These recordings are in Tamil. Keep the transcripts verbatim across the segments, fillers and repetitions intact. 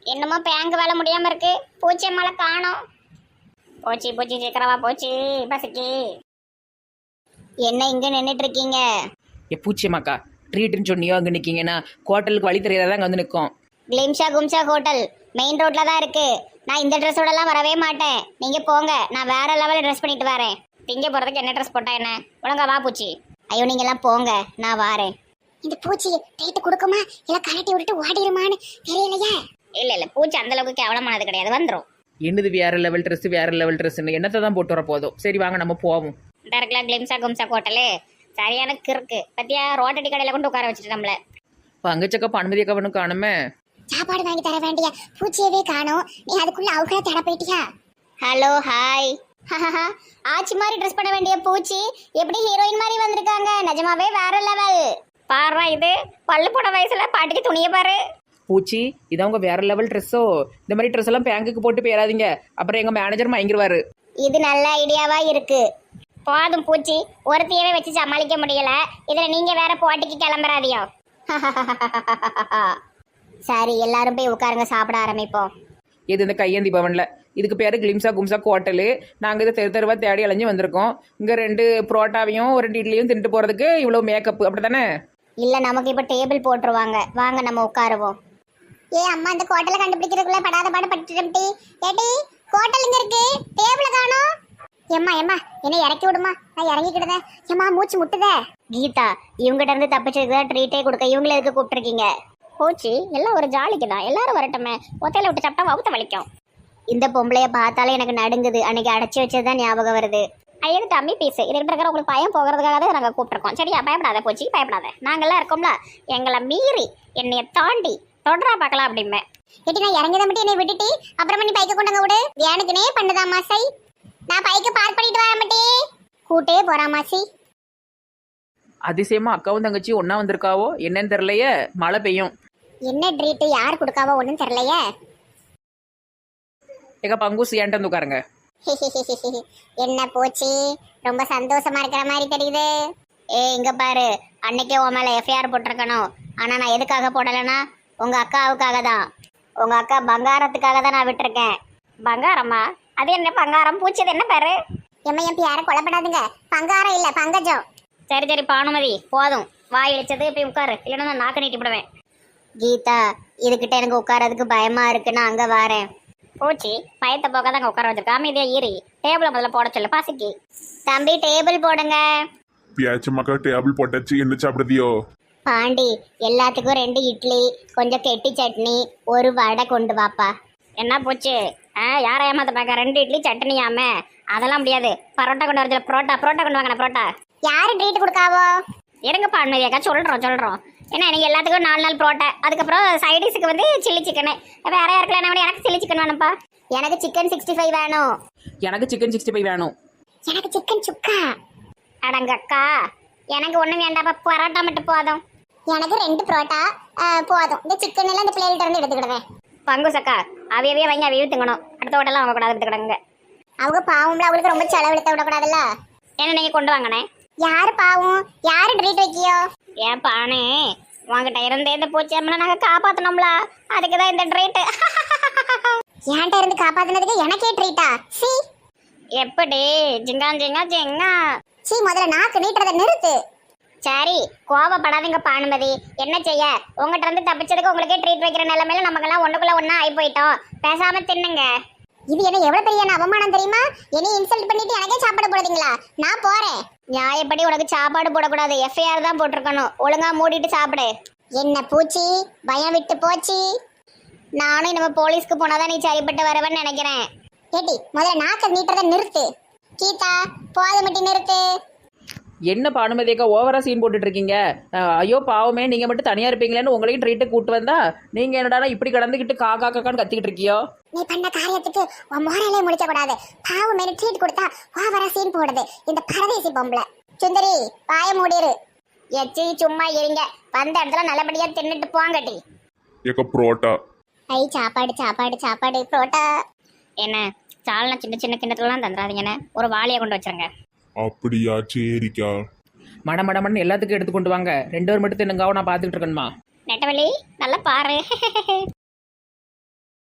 என்னமோ பேங்க் வேலை முடியாம இருக்கு. பூச்சி மலை காணோம். போச்சு போச்சு சீக்கிரமா போச்சு பசிக்கு. என்ன இங்க நின்றுட்டு இருக்கீங்க? ஏ பூச்சியம்மாக்கா, ட்ரீட்டுன்னு சொன்னியோ அங்கே நிற்கிங்கன்னா ஹோட்டலுக்கு வழி தெரியாதான் அங்கே வந்து நிற்கும். கிளிம்ஷா கும்ஷா ஹோட்டல் மெயின் ரோட்ல தான் இருக்கு. நான் இந்த ட்ரெஸ்ஸோடலாம் வரவே மாட்டேன். நீங்க போங்க, நான் வேற லெவலில் ட்ரெஸ் பண்ணிட்டு வரேன். திங்க போறதுக்கு என்ன ட்ரெஸ் போட்டா என்ன? ஒழுங்கா வா பூச்சி. ஐயோ நீங்க எல்லாம் போங்க, நான் வாரேன். இந்த பூச்சி ட்ரீட் கொடுக்குமா இல்ல கலட்டி விட்டுட்டு ஓடிடுமான்னு தெரியலையா? இல்ல இல்ல, பூச்சி அந்த அளவுக்கு கேவலமானது கிடையாது, வந்துடும். என்னது வேற லெவல் ட்ரெஸ் வேற லெவல் ட்ரெஸ்ன்னு என்னத்தை தான் போட்டு வர போதும். சரி வாங்க நம்ம போவோம். டேரக்ட்லா கிளிம்ஷா கும்ஷா ஹோட்டலு சரியான கிறுக்கு பத்தியா. ரோட்டடி கடையில கொண்டு உட்கார வச்சுட்டு நம்மள. பங்கச்சக்கா பன்மதி அக்காவனும் காணுமே. சாப்பாடு வாங்கி தர வேண்டிய பூச்சியவே காணோம். நீ அதுக்குள்ள அவங்கள தட போயிட்டியா? Hello hi. ஆச்சி மாதிரி ட்ரெஸ் பண்ண வேண்டிய பூச்சி எப்படி ஹீரோயின் மாதிரி வந்திருக்காங்க. நிஜமாவே வேற லெவல். பாரு இது பல்லு போட வயசுல பாட்டிக்கு துணியை பாரு. பூச்சி இதான் உங்க வேற லெவல் ட்ரெஸ்ஸோ? இந்த மாதிரி ட்ரெஸ் எல்லாம் பேங்குக்கு போட்டு போயிடாதீங்க, அப்புறம் எங்க மேனேஜர் மயங்கிருவாரு. இது நல்ல ஐடியாவா இருக்கு. போதும் பூச்சி, ஒருத்தையவே வச்சு சமாளிக்க முடியல, இதுல நீங்க வேற போட்டிக்கு கிளம்புறாதியோ. சரி எல்லாரும் போய் உட்காருங்க, சாப்பிட ஆரம்பிப்போம். இது இந்த கையேந்தி பவன்ல இதுக்கு பேரு கிளிம்சா கும்சா ஹோட்டலு. நாங்க இதை தெரு தெருவா தேடி அலைஞ்சு வந்திருக்கோம். இங்க ரெண்டு புரோட்டாவையும் ஒரு ரெண்டு இட்லியும் தின்ட்டு போறதுக்கு இவ்வளவு மேக்கப் அப்படித்தானே? இல்ல நமக்கு இப்ப டேபிள் போட்டுருவாங்க, வாங்க நம்ம உட்காருவோம். ஏ அம்மா, இந்த ஹோட்டலை கண்டுபிடிக்கிறதுக்குள்ள படாத பாடு பட்டுட்டி. ஏடி ஹோட்டல் இங்க இருக்கு, டேபிள காணோம். எம்மா எம்மா என்ன இறக்கி விடுமா, நான் இறங்கிக்கிட்டதே. எம்மா மூச்சு முட்டுதே. கீதா, இவங்கிட்ட இருந்து தப்பிச்சதுக்கு தான் ட்ரீட்டே கொடுக்க இவங்கள எதுக்கு கூப்பிட்டுருக்கீங்க? போச்சு எல்லாம் ஒரு ஜாலிக்கு தான், எல்லாரும் வரட்டுமே. ஒத்தையில விட்டு சாப்பிட்டா வவுத்த வலிக்கும். இந்த பொம்பளைய பார்த்தாலே எனக்கு நடுங்குது. அன்னைக்கு அடைச்சி வச்சதுதான் ஞாபகம் வருது. ஐயது டம்மி பீஸ், இதுக்கிட்ட இருக்கிற உங்களுக்கு பயம் போகிறதுக்காக தான் நாங்கள் கூப்பிட்டுருக்கோம். சரியா, பயப்படாத போச்சு, பயப்படாத. நாங்கள்லாம் இருக்கோம்ல, எங்களை மீறி என்னைய தாண்டி தொடரா பார்க்கலாம் அப்படிமே. ஏட்டி நான் இறங்கியதை மட்டும் என்னை விட்டுட்டு அப்புறமா நீ பைக்க கொண்டாங்க விடு. எனக்குனே பண்ணுதா மாசை, நான் பைக்க பார்க் பண்ணிட்டு வர மாட்டே. கூட்டே போறா மாசி. அதிசயமா அக்காவும் தங்கச்சி ஒன்னா வந்திருக்காவோ என்னன்னு தெரியலையே. மழை பெய்யும். என்ன ட்ரீட் யார் கொடுக்காவோ ஒன்றும் தெரியலையே. எங்க பங்குஸ் ஏன்ட்டு வந்து உட்காருங்க. என்ன போச்சு, ரொம்ப சந்தோஷமா இருக்கிற மாதிரி தெரியுது. ஏ இங்க பாரு, அன்னைக்கே உன் மேல எஃப்ஐஆர் போட்டிருக்கணும். ஆனா நான் எதுக்காக போடலைன்னா உங்க அக்காவுக்காக தான். உங்க அக்கா பங்காரத்துக்காக தான் நான் விட்டுருக்கேன். பங்காரமா? அது என்ன பங்காரம்? பூச்சது என்ன பேரு? எம்மா என் யாரை கொலைப்படாதுங்க, பங்காரம் இல்ல பங்கஜம். சரி சரி பானுமதி போதும், வாய் இழிச்சது போய் உட்காரு, இல்லைன்னா நான் நாக்க நீட்டிவிடுவேன். கீதா, இதுகிட்ட எனக்கு உட்காரதுக்கு பயமா இருக்குன்னா அங்க வரேன். போச்சு பயத்தை போக தான் உட்கார வச்சிருக்கா. அமைதியா ஈரி டேபிள முதல்ல போட சொல்லு பசிக்கு. தம்பி டேபிள் போடுங்க. பியாச்சமாக்கா டேபிள் போட்டாச்சு, என்ன சாப்பிடுதியோ? பாண்டி எல்லாத்துக்கும் ரெண்டு இட்லி, கொஞ்சம் கெட்டி சட்னி, ஒரு வடை கொண்டு வாப்பா. என்ன போச்சு? ஆ யாரை ஏமாத்த பார்க்க? ரெண்டு இட்லி சட்னியாமே, அதெல்லாம் முடியாது. பரோட்டா கொண்டு வரது. புரோட்டா புரோட்டா கொண்டு வாங்க. புரோட்டா யாரு ட்ரீட் கொடுக்காவோ? இருங்க பாண்மதியாக்கா, சொல்றோம் சொல்றோம். ஏன்னா எனக்கு எல்லாத்துக்கும் நாலு நாள் புரோட்டா, அதுக்கப்புறம் சைடிஸுக்கு வந்து சில்லி சிக்கனு. வேற யாருக்குல என்ன வேணும்? எனக்கு சில்லி சிக்கன் வேணும்ப்பா. எனக்கு சிக்கன் சிக்ஸ்டி ஃபைவ் வேணும். எனக்கு சிக்கன் சிக்ஸ்டி ஃபைவ் வேணும். எனக்கு சிக்கன் சுக்கா. அடங்கக்கா, எனக்கு ஒன்றும் வேண்டாப்பா, பரோட்டா மட்டும் போதும். எனக்கு ரெண்டு புரோட்டா போதும். இந்த சிக்கன் எல்லாம் இந்த பிளேட் இருந்து எடுத்துக்கிடுவேன். பங்கு சக்கா, அவையவே வாங்கி அவையே திங்கணும். அடுத்த ஹோட்டலாம் அவங்க கூடாது எடுத்துக்கிடுங்க. அவங்க பாவம்ல, அவங்களுக்கு ரொம்ப செலவெடுத்த விடக்கூடாதுல்ல. என்ன நீங்க கொண்டு வாங்கண்ணே. யாரு பாவம்? யாரு ட்ரீட் வைக்கியோ? ஏன் பானே உங்ககிட்ட இருந்தே இந்த பூச்சியம்னா நாங்க காப்பாத்தணும்ல, அதுக்குதான் இந்த ட்ரீட். ஏன்ட்ட இருந்து காப்பாத்தினதுக்கு எனக்கே ட்ரீட்டா? சி எப்படி ஜிங்கா ஜிங்கா ஜிங்கா. சி முதல்ல நாக்கு நீட்டுறத நிறுத்து. சரி கோவப்படாதீங்க பானுமதி, என்ன செய்ய, உங்ககிட்ட இருந்து தப்பிச்சதுக்கு உங்களுக்கே ட்ரீட் வைக்கிற நிலைமையில நமக்கெல்லாம் ஒண்ணுக்குள்ள ஒன்னா ஆகி போயிட்டோம். பேசாம தின்னுங்க. இது என்ன எவ்வளவு பெரிய அவமானம் தெரியுமா? என்னை இன்சல்ட் பண்ணிட்டு எனக்கே சாப்பாடு போடுறீங்களா? நான் போறேன். நியாயப்படி உனக்கு சாப்பாடு போடக்கூடாது, எஃப்ஐஆர் தான் போட்டிருக்கணும். ஒழுங்கா மூடிட்டு சாப்பிடு. என்ன பூச்சி பயம் விட்டு போச்சு. நானும் நம்ம போலீஸ்க்கு போனாதான் நீ சரிப்பட்டு வரவன்னு நினைக்கிறேன். கேட்டி முதல்ல நாக்க நீட்டுறத நிறுத்து. கீதா போத மட்டும் நிறுத்து. என்ன பானுமதியக்கா ஓவரா சீன் போட்டுட்டு இருக்கீங்க? ஐயோ பாவமே, நீங்க மட்டும் தனியா இருப்பீங்களேன்னு உங்களையும் ட்ரீட்டு கூட்டு வந்தா நீங்க என்னடா இப்படி கடந்துக்கிட்டு காக்கா காக்கான்னு கத்திக்கிட்டு இருக்கியோ? நீ பண்ண காரியத்துக்கு உன் மோரலே முடிக்க கூடாது. பாவம் மேல ட்ரீட் கொடுத்தா ஓவரா சீன் போடுது இந்த பரதேசி பொம்பளை. சுந்தரி பாய மூடிரு. எச்சி சும்மா இருங்க, வந்த இடத்துல நல்லபடியா தின்னுட்டு போங்கட்டி. ஏக்க புரோட்டா. ஐ சாப்பாடு சாப்பாடு சாப்பாடு புரோட்டா. என்ன சால்னா சின்ன சின்ன கிண்ணத்துலாம் தந்துடாதீங்கன்னு ஒரு வாளியை கொண்டு வச்சிருங்க. அப்படியா, சரிக்கா. மட மடமன்னு எல்லாத்துக்கும் எடுத்து கொண்டு வாங்க. ரெண்டு பேர் மட்டும் தின்னுங்காவோ, நான் பார்த்துக்கிட்டு இருக்கணுமா? நெட்டவள்ளி நல்லா பாரு.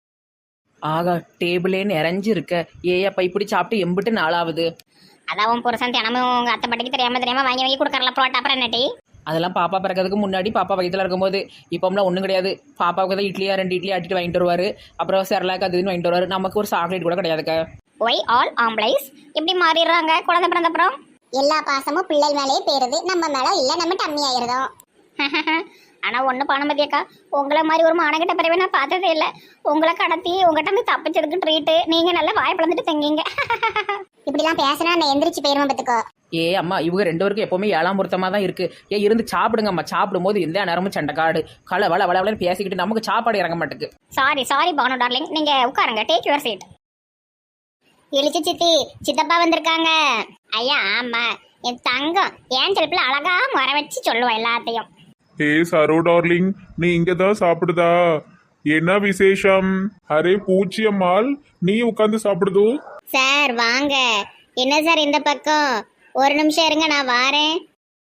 ஆகா டேபிளே நிறைஞ்சு இருக்க. ஏயப்பா இப்படி சாப்பிட்டு எம்பிட்டு நாளாவது. அதான் உன் புருஷன் தினமும் உங்க அத்தை பாட்டிக்கு தெரியாம தெரியாம வாங்கி வாங்கி கொடுக்கறல புரோட்டா அப்புறம் என்னடி? அதெல்லாம் பாப்பா பிறக்கிறதுக்கு முன்னாடி பாப்பா வயிற்றுல இருக்கும்போது. இப்போம்லாம் ஒன்றும் கிடையாது. பாப்பாவுக்கு தான் இட்லியா ரெண்டு இட்லி ஆட்டிட்டு வாங்கிட்டு வருவார். அப்புறம் செரலாக்கு அது இதுன்னு வாங்கிட்டு வருவார். நமக்கு ஒரு சாக்லேட் கூட கிடையாதுக்கா. ஒய் ஆல் ஆம்பளைஸ் இப்படி மாறிடுறாங்க குழந்தை பிறந்த அப்புறம்? எல்லா பாசமும் பிள்ளை மேலேயே போயிருது, நம்ம மேல இல்ல நம்ம டம்மி ஆயிருதோம். ஆனா ஒண்ணு பானுமதியக்கா, உங்களை மாதிரி ஒரு மானகிட்ட பிறவே நான் பார்த்ததே இல்லை. உங்களை கடத்தி உங்ககிட்ட இருந்து தப்பிச்சதுக்கு ட்ரீட்டு. நீங்க நல்லா வாய் பிளந்துட்டு தங்கிங்க. இப்படிலாம் பேசினா நான் எந்திரிச்சு போயிருவேன் பத்துக்கோ. ஏ அம்மா இவங்க ரெண்டு பேருக்கும் எப்பவுமே ஏழாம் பொருத்தமாக தான் இருக்கு. ஏ இருந்து சாப்பிடுங்கம்மா. சாப்பிடும்போது எந்த நேரமும் சண்டைக்காடு களை வள வள வளன்னு பேசிக்கிட்டு நமக்கு சாப்பாடு இறங்க மாட்டேக்கு. சாரி சாரி பானு டார்லிங், நீங்க உட்காருங்க. Take your seat. இழிச்சு சித்தி சித்தப்பா வந்திருக்காங்க. ஐயா ஆமா, என் தங்கம் ஏன் செல்பில் அழகா முறை வச்சு சொல்லுவோம் எல்லாத்தையும். ஏ சரோ டார்லிங், நீ இங்க தான் சாப்பிடுதா? என்ன விசேஷம்? அரே பூச்சியம்மாள், நீ உட்காந்து சாப்பிடுதோ? சார் வாங்க. என்ன சார் இந்த பக்கம்? ஒரு நிமிஷம் இருங்க, நான் வாரேன்.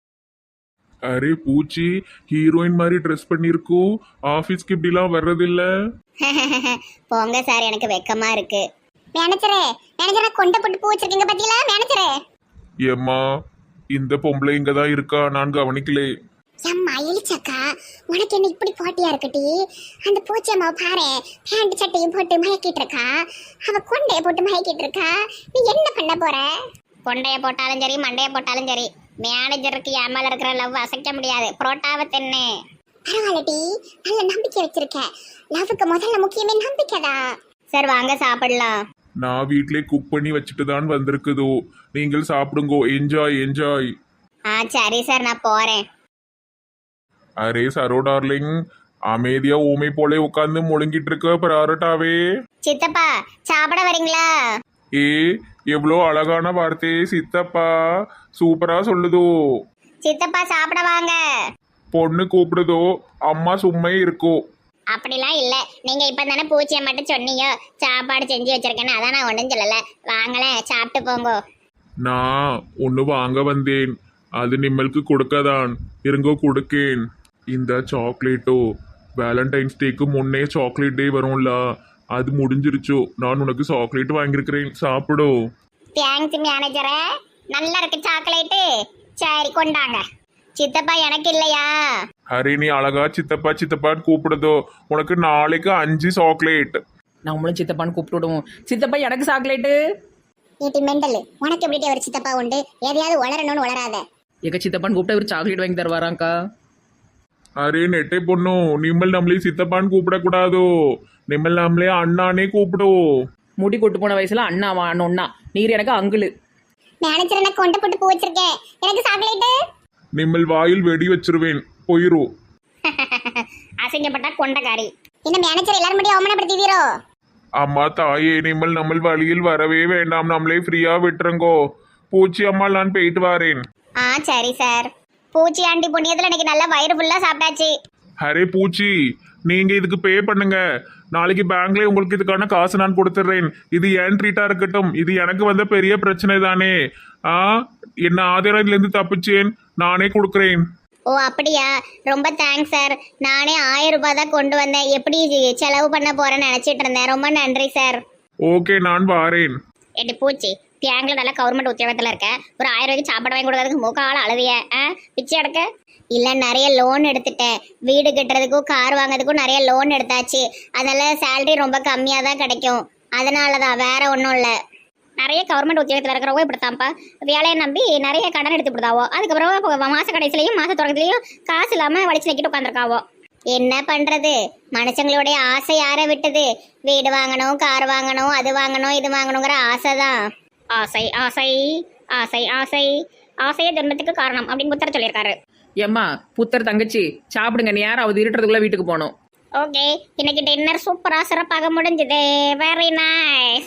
அரே பூச்சி, ஹீரோயின் மாதிரி ட்ரெஸ் பண்ணிருக்கோ. ஆபீஸ்க்கு இப்படிலாம் வர்றதில்ல. போங்க சார், எனக்கு வெக்கமா இருக்கு. மேனேஜரே மேனேஜரே கொண்ட போட்டு பூ வச்சிருக்கீங்க பத்தியில மேனேஜரே. ஏம்மா, இந்த பொம்பளை இங்க தான் இருக்கா, நான் கவனிக்கலே. அம்மா இழிச்சக்கா, உனக்கு என்ன இப்படி போட்டியா இருக்கட்டி? அந்த பூச்சம்மா பாரு, பேண்ட் சட்டையும் போட்டு மயக்கிட்டு இருக்கா. அவ கொண்டைய போட்டு மயக்கிட்டு இருக்கா. நீ என்ன பண்ண போற? கொண்டைய போட்டாலும் சரி மண்டைய போட்டாலும் சரி, மேனேஜருக்கு என் மேல இருக்கிற லவ் அசைக்க முடியாது. புரோட்டாவை தென்னு. பரவாயில்லடி, நல்ல நம்பிக்கை வச்சிருக்க. லவ்வுக்கு முதல்ல முக்கியமே நம்பிக்கை தான். சார் வாங்க சாப்பிடலாம். நான் வீட்லயே குக் பண்ணி வச்சுட்டு தான் வந்திருக்குதோ. நீங்கள் சாப்பிடுங்கோ. Enjoy enjoy. ஆ சரி சார், நான் போறேன். அரே சரோ டார்லிங், அமைதியா ஊமை போல உட்காந்து முழுங்கிட்டு இருக்க பரோட்டாவே. சித்தப்பா சாப்பிட வரீங்களா? ஏ எவ்வளோ அழகான வார்த்தையே சித்தப்பா, சூப்பரா சொல்லுதோ. சித்தப்பா சாப்பிட வாங்க. பொண்ணு கூப்பிடுதோ, அம்மா சும்மா இருக்கோ. அப்படிலாம் இல்ல, நீங்க இப்ப தானே பூச்சியை மட்டும் சொன்னீங்க. சாப்பாடு செஞ்சு வச்சிருக்கேன்னு அதான் நான் ஒன்றும் சொல்லல. வாங்களேன் சாப்பிட்டு போங்க. நான் ஒன்று வாங்க வந்தேன், அது நிம்மளுக்கு கொடுக்கதான். இருங்கோ கொடுக்கேன். இந்த சாக்லேட்டோ, வேலண்டைன்ஸ் டேக்கு முன்னே சாக்லேட் டே வரும்ல, அது முடிஞ்சிருச்சோ. நான் உனக்கு சாக்லேட் வாங்கியிருக்கிறேன், சாப்பிடு. தேங்க்ஸ் மேனேஜரே, நல்லா இருக்கு சாக்லேட்டு. சரி கொண்டாங்க. சித்தப்பா எனக்கு இல்லையா? ஹரி நீ அழகா சித்தப்பா சித்தப்பான்னு கூப்பிடுதோ. உனக்கு நாளைக்கு அஞ்சு சாக்லேட். நம்மளும் சித்தப்பான்னு கூப்பிட்டு விடுவோம். சித்தப்பா எனக்கு சாக்லேட்டு. நீட்டி மெண்டல், உனக்கு எப்படி ஒரு சித்தப்பா உண்டு? எதையாவது உளரணும்னு உளராத. எங்க சித்தப்பான்னு கூப்பிட்டா ஒரு சாக்லேட் வாங்கி தருவாராங்க்கா. அரே நெட்டை பொண்ணு, நிம்மல் நம்மளே சித்தப்பான்னு கூப்பிடக்கூடாதோ. நிம்மல் நம்மளே அண்ணானே கூப்பிடுவோம். முடி கொட்டு போன வயசுல அண்ணாவா அண்ணா, நீர் எனக்கு அங்குளு. மேனேஜர் எனக்கு கொண்ட போட்டு பூ வச்சிருக்கேன், எனக்கு சாக்லேட்டு. நிம்மல் வாயில் வெடி வச்சிருவேன், போயிரும். அசிங்கப்பட்டா கொண்டக்காரி. இந்த மேனேஜர் எல்லாரும் மட்டும் அவமானப்படுத்திவீரோ? அம்மா தாயே, நிம்மல் நம்ம வழியில் வரவே வேண்டாம், நம்மளே ஃப்ரீயா விட்டுருங்கோ. பூச்சி அம்மா நான் போயிட்டு வரேன். ஆ சரி சார். பூச்சி ஆண்டி புண்ணியத்துல எனக்கு நல்லா வயிறு ஃபுல்லா சாப்பிட்டாச்சு. அரே பூச்சி, நீங்க இதுக்கு பே பண்ணுங்க. நாளைக்கு பேங்க்ல உங்களுக்கு இதுக்கான காசு நான் கொடுத்துட்றேன். இது ஏன் ட்ரீட்டா இருக்கட்டும். இது எனக்கு வந்த பெரிய பிரச்சனை தானே. ஆ என்ன ஆதாரம் இதுல இருந்து தப்பிச்சேன், நானே கொடுக்குறேன். ஓ அப்படியா, ரொம்ப தேங்க்ஸ் சார். நானே ஆயிரம் ரூபாய் தான் கொண்டு வந்தேன். எப்படி செலவு பண்ண போறேன்னு நினைச்சிட்டு இருந்தேன். ரொம்ப நன்றி சார். ஓகே நான் வாரேன். எட்டு பூச்சி, பேங்க்ல நல்லா கவர்மெண்ட் உத்தியோகத்துல இருக்க, ஒரு ஆயிரம் ரூபாய்க்கு சாப்பாடு வாங்கி கொடுக்கறதுக்கு மூக்கால அழுதிய பிச்சை எடுக்க. இல்ல நிறைய லோன் எடுத்துட்டேன். வீடு கட்டுறதுக்கும் கார் வாங்குறதுக்கும் நிறைய லோன் எடுத்தாச்சு. அதனால சேலரி ரொம்ப கம்மியா தான் கிடைக்கும். அதனாலதான், வேற ஒன்றும் இல்லை. நிறைய கவர்மெண்ட் உத்தியோகத்தில் இருக்கிறவங்க இப்படித்தான்ப்பா, வேலையை நம்பி நிறைய கடன் எடுத்து கொடுத்தாவோ. அதுக்கப்புறம் மாச கடைசிலையும் மாச தொடக்கத்துலையும் காசு இல்லாம வலிச்சு நிக்கிட்டு உட்காந்துருக்காவோ. என்ன பண்றது, மனுஷங்களுடைய ஆசை யாரை விட்டது? வீடு வாங்கணும், கார் வாங்கணும், அது வாங்கணும், இது வாங்கணுங்கிற ஆசை தான். ஆசை ஆசை ஆசை ஆசை ஆசையே ஜென்மத்துக்கு காரணம் அப்படின்னு புத்தர் சொல்லியிருக்காரு. ஏம்மா புத்தர் தங்கச்சி சாப்பிடுங்க, நேராவது இருட்டுறதுக்குள்ள வீட்டுக்கு போகணும். ஓகே, இன்னைக்கு டின்னர் சூப்பரா சிறப்பாக முடிஞ்சது. Very nice.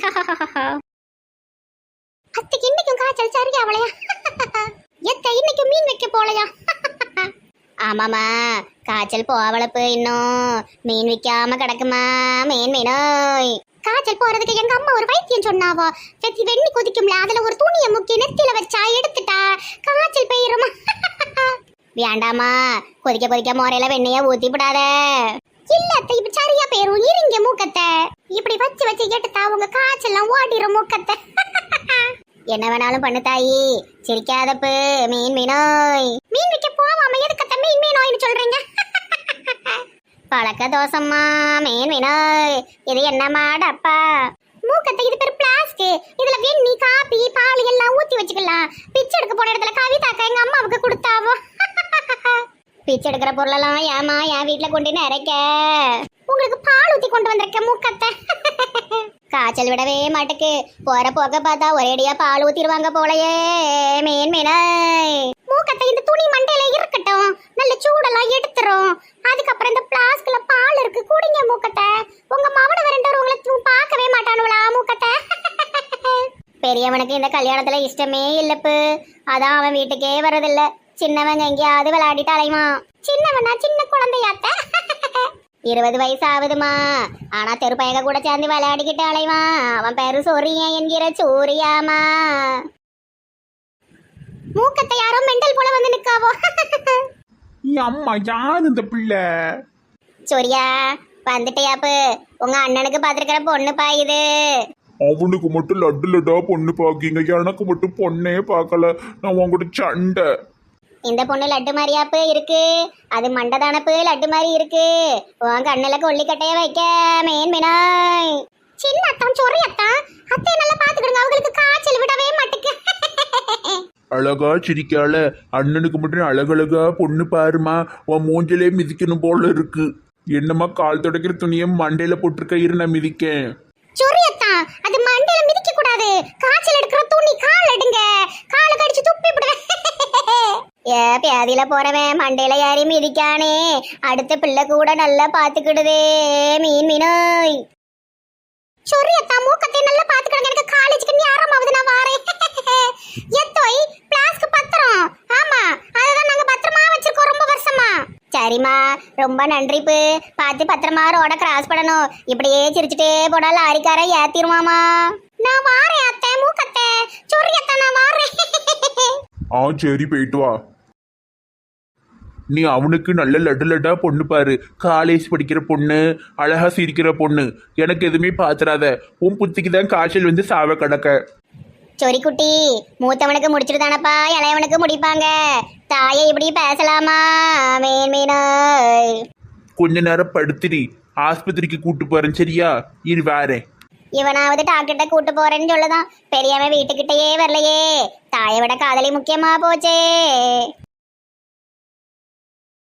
அத்தைக்கு இன்னைக்கும் காய்ச்சல் சரியா அவளையா? எத்த இன்னைக்கு மீன் வைக்க போலையா? ஆமாமா, காய்ச்சல் போவளப்பு இன்னும் மீன் விற்காம கிடக்குமா? மீன் மீனோய் காய்ச்சல் போறதுக்கு எங்க அம்மா ஒரு வைத்தியம் சொன்னாவோ. வெத்தி வெண்ணி கொதிக்கும்ல, அதுல ஒரு துணியை முக்கி நெத்தியில வச்சா எடுத்துட்டா காய்ச்சல் பெய்யுமா? வேண்டாமா, கொதிக்க கொதிக்க முறையில வெண்ணைய ஊத்தி விடாத. இல்ல அத்தை இப்ப சரியா போயிரும் இருங்க மூக்கத்தை இப்படி வச்சு வச்சு எடுத்தா உங்க காய்ச்செல்லாம் ஓடிரும் மூக்கத்தை என்ன வேணாலும் பண்ணு தாயி சிரிக்காதப்பு மீன் மீனோய் மீன் விற்க போவாம எதுக்கத்த மீன் மீனோய்னு சொல்றீங்க பழக்க தோசம்மா மீன் மீனோய் இது என்னம்மா டப்பா மூக்கத்தை இது பேர் பிளாஸ்டிக் இதுல வெண்ணி காப்பி பால் எல்லாம் ஊத்தி வச்சுக்கலாம் பிச்சை எடுக்க போன இடத்துல கவிதாக்கா எங்க அம்மாவுக்கு கொடுத்தாவோ பிச்சை எடுக்கிற பொருளெல்லாம் ஏமா என் வீட்டுல கொண்டு நிறைக்க உங்களுக்கு பால் ஊத்தி கொண்டு வந்திருக்க மூக்கத்தை காய்ச்சல் விடவே மாட்டுக்கு போற போக பார்த்தா ஒரேடியா பால் ஊத்திடுவாங்க போலயே மீன் மீனை மூக்கத்தை இந்த துணி மண்டையில இருக்கட்டும் நல்ல சூடெல்லாம் எடுத்துரும் அதுக்கப்புறம் இந்த பிளாஸ்க்ல பால் இருக்கு குடிங்க மூக்கத்தை உங்க மவன வரண்டவர் உங்களை பார்க்கவே மாட்டானுங்களா மூக்கத்தை பெரியவனுக்கு இந்த கல்யாணத்துல இஷ்டமே இல்லப்பு அதான் அவன் வீட்டுக்கே வரதில்ல சின்னவங்க எங்கேயாவது விளையாடிட்டு அலைவான் சின்னவனா சின்ன குழந்தையாத்த இருபது வயசு ஆகுதுமா ஆனா தெருப்பயக கூட சேர்ந்து விளையாடிக்கிட்டு அலைவான் அவன் பேரு சொரியன் என்கிற சூரியாமா மூக்கத்தை யாரோ மெண்டல் போல வந்து நிக்காவோ அம்மா யார் இந்த பிள்ளை? சூரியா வந்துட்டியாப்பு உங்க அண்ணனுக்கு பாத்துருக்கிற பொண்ணு பாயுது அவனுக்கு மட்டும் லட்டு லட்டா பொண்ணு பாக்கீங்க, எனக்கு மட்டும் பொண்ணே பார்க்கல. நான் உங்ககிட்ட சண்டை. இந்த பொண்ணு லட்டு மாதிரியாப்பு இருக்கு அது மண்டதானப்பு லட்டு மாதிரி இருக்கு உங்க அண்ணல கொல்லிக்கட்டைய வைக்க மேன் மீனாய் சின்ன அத்தான் சொறி அத்தான் அத்தையை நல்லா பாத்துக்கிடுங்க அவங்களுக்கு காய்ச்சல் விடவே மாட்டுக்கு அழகா சிரிக்கால அண்ணனுக்கு மட்டும் அழகழகா பொண்ணு பாருமா, உன் மூஞ்சிலே மிதிக்கணும் போல இருக்கு. என்னம்மா கால் துடைக்கிற துணியை மண்டையில போட்டிருக்க, இரு நான் மிதிக்கேன். சொரியத்தா அது மண்டையில மிதிக்க கூடாது, காய்ச்சல் எடுக்கிற துணி கால் எடுங்க, கால கடிச்சு துப்பி விடுவேன். ஏ பியாதியில போறவன் மண்டையில யாரி மிதிக்கானே, அடுத்த பிள்ளை கூட நல்லா பாத்துக்கிடுதே மீன் மீனோய். சொரியத்தா மூக்கத்தை நல்லா பாத்துக்கிடுங்க, எனக்கு காலேஜுக்கு நேரமாவது நான் வாரேன். எத்தோய் பிளாஸ்க்கு பத்திரம், ஆமா அததான் நாங்க பத்திரமா வச்சிருக்கோம் ரொம்ப வருஷமா. சரிம்மா ரொம்ப நன்றிப்பு, பார்த்து பத்திரமா ரோட கிராஸ் பண்ணணும், இப்படியே சிரிச்சுட்டே போனா லாரிக்கார ஏத்திருவாமா. நான் வாரேன் அத்தை மூக்கத்தை சொரியத்தா நான் வாரேன். ஆ சரி போயிட்டு வா. நீ அவனுக்கு நல்ல லட்டு லட்டா பொண்ணு பாரு, காலேஜ் படிக்கிற பொண்ணு, அழகா சிரிக்கிற பொண்ணு. எனக்கு எதுவுமே பாத்துறாத, உன் புத்திக்கு தான் காய்ச்சல் வந்து சாவ கிடக்க. சொரி குட்டி மூத்தவனுக்கு முடிச்சுட்டு தானப்பா இளையவனுக்கு முடிப்பாங்க, தாயை இப்படி பேசலாமா மீன் மீனாய். கொஞ்ச நேரம் படுத்துடி, ஆஸ்பத்திரிக்கு கூட்டு போறேன் சரியா, இரு வாரேன். இவனாவது டாக்டர்கிட்ட கூட்டு போறேன்னு சொல்லுதான், பெரியவன் வீட்டுக்கிட்டயே வரலையே, தாயை விட காதலி முக்கியமா போச்சே.